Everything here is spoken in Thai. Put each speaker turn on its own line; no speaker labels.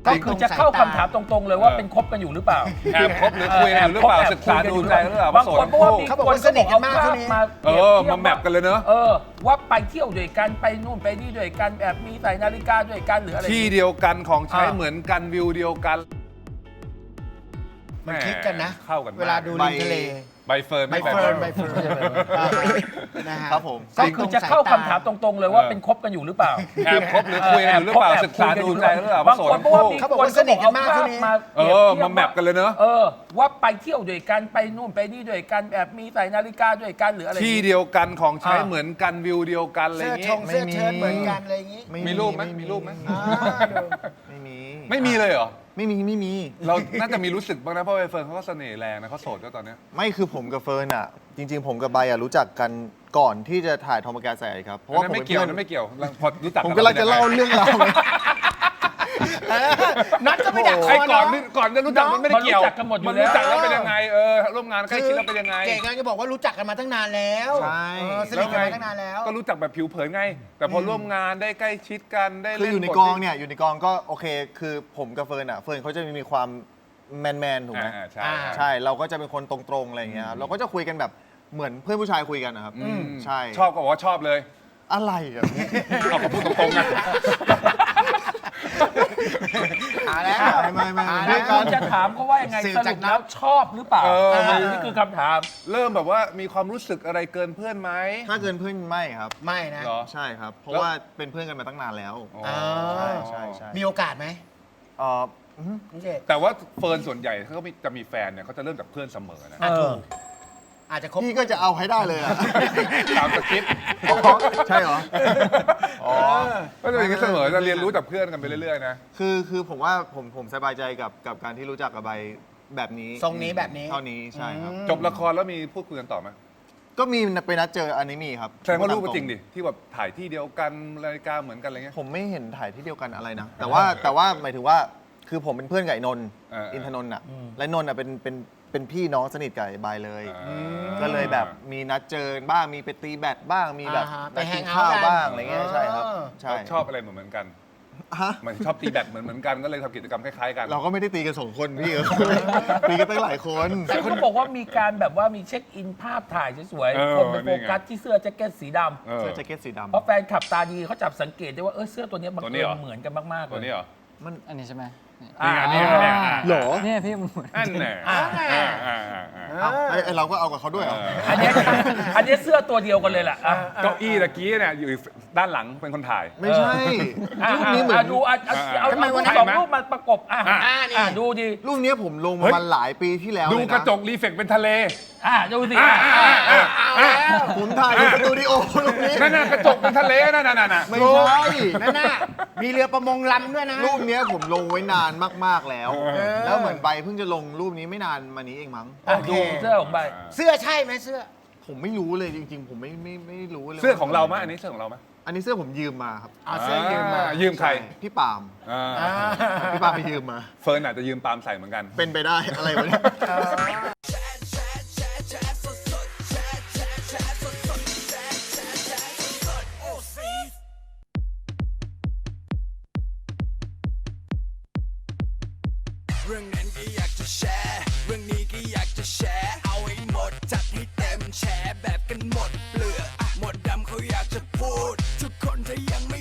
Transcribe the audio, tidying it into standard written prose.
ก็คือจะเข้าคำถามตรงๆเลยว่าเป็นคบกันอยู่หรือเปล่า
แอบคบหรือคุยกันอยู่หรือเปล่าศึกษาดูใจหรือเปล่า
บางคนเพราะว่ามี
เขาบอกว่าสนิทกันมากช่วงนี้
มาแมปกันเลยเนอะ
ว่าไปเที่ยวด้วยกันไปนู่นไปนี่ด้วยกันแบบมีใส่นาฬิกาด้วยกันหรืออะไร
ที่เดียวกันของใช้เหมือนกันวิวเดียวกัน
มันคลิกกันนะ
เข้ากันมก
เวลาดูริมทะเล
ใบเฟิร์น
ใบ
ไม่
เฟิร์นนะฮะ
ครับผม
ก็คือจะเข้าคำถามตรงๆเลยว่าเป็นคบกันอยู่หรือเปล่า
แอบคบหรือคุยกันอยู่หรือเปล่าศึกษาดูใจหรือเปล่า
บางคนเพราะว่ามี
เขาบอกว่าสนิทกันมากช่วงนี้
มาแมปกันเลยเนอะ
ว่าไปเที่ยวด้วยกันไปนู่นไปนี่ด้วยกันแบบมีใส่นาฬิกาด้วยกันหรืออะไร
ที่เดียวกันของใช้เหมือนกันวิวเดียวกันอะไร
เสื้อ
อย่าง
ช
งี้
งเสื้อเชิ้ตเหมือนกันอะไรอย่างงี้
มีรูปไหมมีรูปไหม
ไม่มี
ไม่มีเลยเหรอ
ไม่มี
เราน่าจะมีรู้สึกบ้างนะเพราะใบเฟิร์นเขาก็เสน่ห์แรงนะเขาโสดก็ตอนเนี้ย
ไม่คือผมกับเฟิร์นอ่ะ จริงๆ ผมกับใบอ่ะรู้จักกันก่อนที่จะถ่ายทอมแกใส่ครับเพราะว่า
นั่น
ผม
ไม่
เป็น
เกี่ยว
เพื่อน
นั่นไม่เกี่ยวพอรู้จัก
ผมกำลังจะเล่าเรื่องราวเลย
นัดก็ไม่ดักค
ไอ้
อ
ก่อน
เนาะ
ก่อนจะรู้จักมันไม่ได้เกี่ยว
มันรู้จักกันหมดอยู่
มัน
แล้ว
รู้จักแล้วเป็นยังไงร่วมงานใกล้ชิดแล้วเป็นยังไง
เก่งงานก็บอกว่ารู้จักกันมาตั้งนานแล้ว
ใช่
สนิทกันมาตั้งนานแล้ว
ก็รู้จักแบบผิวเผินไง แต่พอร่วมงานได้ใกล้ชิดกันได้
คือ
เล่น
อยู่ใน
บท
กองเนี่ยอยู่ในกองก็โอเค คือผมกับเฟิร์นอ่ะเฟิร์นเขาจะมีความแมนถูกไหม
ใช่
ใช่เราก็จะเป็นคนตรงๆอะไรอย่างเงี้ยครับเราก็จะคุยกันแบบเหมือนเพื่อนผู้ชายคุยกันนะครับใช่
ชอบก็บอกว่าชอบเลย
อะไรอ่ะ
เอาก็พูดตรงๆนะ
แล้ว
ไม่
คุณจะถามเขาว่ายังไง
สื่อ
ส
จา
รุ
ก
ป
นั้น
แล้วชอบหรือเปล่า นี่คือคำถาม
เริ่มแบบว่ามีความรู้สึกอะไรเกินเพื่อนไหม
ถ้าเกินเพื่อนไม่ครับ
ไม่นะ
เหรอ
ใช่ครับ เพราะ
แล้ว
ว่าเป็นเพื่อนกันมาตั้งนานแล้ว
อ๋อ
ใช่
มีโอกาสไหม
เอ่อ
พี่เจ
แต่ว่าเฟิร์นส่วนใหญ่เขาก็จะมีแฟนเนี่ยเขาจะเริ่มจากเพื่อนเสมอนะ
ถูกอาจจะคบ
พี่ก็จะเอาให้ได้เลยอ่ะ
ตามสคริปต์
ใช่เหรอ
อ๋อก็จะเป็นอย่างนี้เสมอจะเรียนรู้จากเพื่อนกันไปเรื่อยๆนะ
คือผมว่าผมสบายใจกับการที่รู้จักกับใบแบบนี้
ทรงนี้แบบนี้
เท่านี้ใช่ครับ
จบละครแล้วมีพูดคุยกันต่อไหม
ก็มีไปนัดเจออันนี้มีครับ
แสดงว่ารู้จริงดิที่แบบถ่ายที่เดียวกันนาฬิกาเหมือนกันอะไรเงี้ย
ผมไม่เห็นถ่ายที่เดียวกันอะไรนะ แต่ว่าหมายถึงว่าคือผมเป็นเพื่อนกับไอ้นนท์ อินทนนท์อ่ะและนนท์อ่ะเป็นพี่น้องสนิทกับไอ้ใบเลย ก็เลยแบบมีนัดเจอบ้างมีไปตีแบดบ้างมีแบบ
ไป
นัด
แฮ
กิ
ง
น
เอาท์
ข้าว
กัน
บ้างอะไรเงี้ยใช่ครับใช่
ชอบอะไรเหมือนกัน
ฮะ
มันชอบตีแบดเหมือนกันก็เลยทำกิจกรรมคล้ายๆกัน
เราก็ไม่ได้ตีกันสองคนพี่ ตีกันตั้งหลายคน
แต่คุณบอกว่ามีการแบบว่ามีเช็คอินภาพถ่ายสวยๆคนไปโฟกัสที่เสื้อแจ็คเก็ตสีดำ
เสื้อแจ็คเก็ตสีดำ
เพราะแฟนขับตาดีเขาจับสังเกตได้ว่าเสื้อตัวนี้บัง
ตัวนี้
เอิ
เหรอ
ญเหมือนกันมากๆเล
ตัวย นี้เหรอ
อันนี้ใช่ไหม
นี่ไงนี่ไงเนี่ย
หรอ
เนี่ยพี่มันเหมือน
อันแน่
ไอเราก็เอากับเขาด้วยเหรอ
อันนี้เสื้อตัวเดียวกันเลยแหละ
เก้าอี้ตะกี้เนี่ยอยู่ด้านหลังเป็นคนถ่าย
ไม่ใช่รูปนี้เหมือน
ดูเอา
ทำไมวันนั้น
สองรูปมาประกบดูดิ
รูปนี้ผมลงมาหลายปีที่แล้ว
ดู
เลย
กระ
นะ
จกรีเฟกเป็นทะเล
ดูสิ
ผมถ่ายในสตูดิโอรูปนี้
นั่นน่ะกระจกเป็นทะเลนั่นน่ะ
ไม่ใช่
นั่นน่ะมีเรือประมงลำด้วยนะ
รูปเนี้ยผมลงไว้นานมากๆแล้ว แล้วเหมือนใบเพิ่งจะลงรูปนี้ไม่นานมานี้เองมั้ง
ดูเสื้อของใบ
เสื้อใช่ไหมเสื้อ
ผมไม่รู้เลยจริงๆ ผมไม่รู้เลย
เสื้อของเราไหมอันนี้เสื้อของเราไหม
อันนี้เสื้อผมยืมมาครับ
เอาเสื้อยืมมา
ยืมใคร
พี่ปาล์ม
อ่า
พี่ปาล์มไปยืมมา
เฟิร์นอาจจะยืมปาล์มใส่เหมือนกัน
เป็นไปได้อะไรวะเนี่ย
เรื่องนั้นก็อยากจะแชร์ เรื่องนี้ก็อยากจะแชร์ เอาให้หมดจัดให้เต็มแชร์แบบกันหมดเปลือกหมดดำเขาอยากจะพูด ทุกคนถ้ายัง